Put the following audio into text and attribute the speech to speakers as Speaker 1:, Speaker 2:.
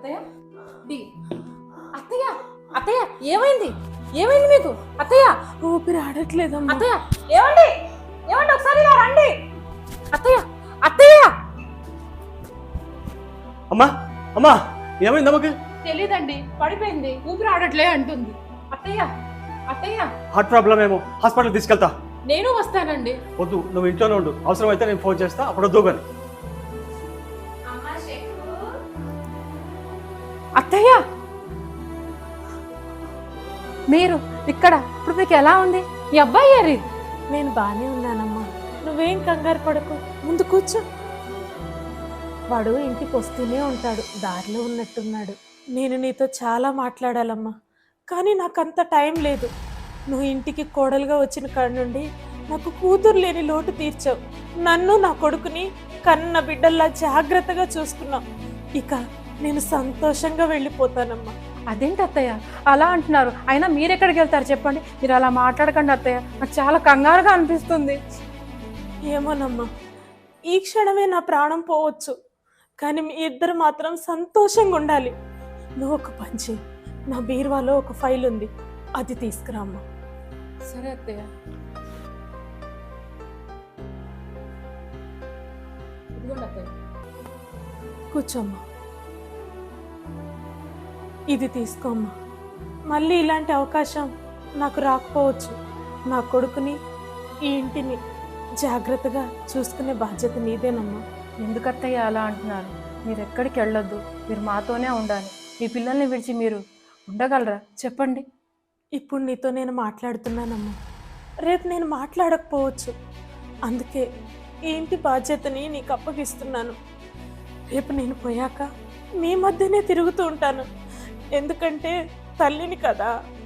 Speaker 1: అత్తయ్య డి అత్తయ్య అత్తయ్య ఏమైంది ఏమైంది మీకు అత్తయ్య?
Speaker 2: ఊపిరి ఆడట్లేదమ్మా.
Speaker 1: అత్తయ్య ఏమండి ఏమండి ఒకసారి ఇలా రండి. అత్తయ్య అత్తయ్య.
Speaker 3: అమ్మా అమ్మా ఏమైంది అమ్మకి?
Speaker 1: తెలీదండి, పడిపోయింది, ఊపిరి ఆడట్లే అంటుంది. అత్తయ్య అత్తయ్య.
Speaker 3: హార్ట్ ప్రాబ్లం ఏమో, హాస్పిటల్ తీసుకెళ్తా.
Speaker 1: నేను వస్తానండి.
Speaker 3: వద్దు, నువ్వు ఇంట్లోనే ఉండు, అవసరమైతే నేను ఫోన్ చేస్తా, అప్పుడు వద్దు కానీ.
Speaker 1: అత్తయ్య మీరు ఇక్కడ, ఇప్పుడు మీకు ఎలా ఉంది? ఈ అబ్బాయి ఏరి?
Speaker 2: నేను బానే ఉన్నానమ్మా, నువ్వేం కంగారు పడకు, ముందు కూర్చో. వాడు ఇంటికి వస్తూనే ఉంటాడు, దారిలో ఉన్నట్టున్నాడు. నేను నీతో చాలా మాట్లాడాలమ్మా, కానీ నాకంత టైం లేదు. నువ్వు ఇంటికి కోడలుగా వచ్చిన కాడి నుండి నాకు కూతురు లేని లోటు తీర్చావు. నన్ను నా కొడుకుని కన్న బిడ్డల్లా జాగ్రత్తగా చూసుకున్నావు. ఇక నేను సంతోషంగా వెళ్ళిపోతానమ్మా.
Speaker 1: అదేంటి అత్తయ్య అలా అంటున్నారు? అయినా మీరెక్కడికి వెళ్తారు చెప్పండి? మీరు అలా మాట్లాడకండి అత్తయ్య, నాకు చాలా కంగారుగా అనిపిస్తుంది.
Speaker 2: ఏమోనమ్మా, ఈ క్షణమే నా ప్రాణం పోవచ్చు, కానీ మీ ఇద్దరు మాత్రం సంతోషంగా ఉండాలి. నువ్వు ఒక పని చెయ్యి, నా బీరువాలో ఒక ఫైల్ ఉంది, అది తీసుకురామ్మా.
Speaker 1: సరే అత్తయ్య. ఇదిగోండి అత్తయ్య.
Speaker 2: కూర్చోమ్మా, ఇది తీసుకోమ్మా. మళ్ళీ ఇలాంటి అవకాశం నాకు రాకపోవచ్చు. నా కొడుకుని ఈ ఇంటిని జాగ్రత్తగా చూసుకునే బాధ్యత నీదేనమ్మా.
Speaker 1: ఎందుకు అత్తయ్య అలా అంటున్నారు? మీరు ఎక్కడికి వెళ్ళొద్దు, మీరు మాతోనే ఉండాలి. మీ పిల్లల్ని విడిచి మీరు ఉండగలరా చెప్పండి?
Speaker 2: ఇప్పుడు నీతో నేను మాట్లాడుతున్నానమ్మా, రేపు నేను మాట్లాడకపోవచ్చు. అందుకే ఈ ఇంటి బాధ్యతని నీకు అప్పగిస్తున్నాను. రేపు నేను పోయాక మీ మధ్యనే తిరుగుతూ ఉంటాను, ఎందుకంటే తల్లిని కదా.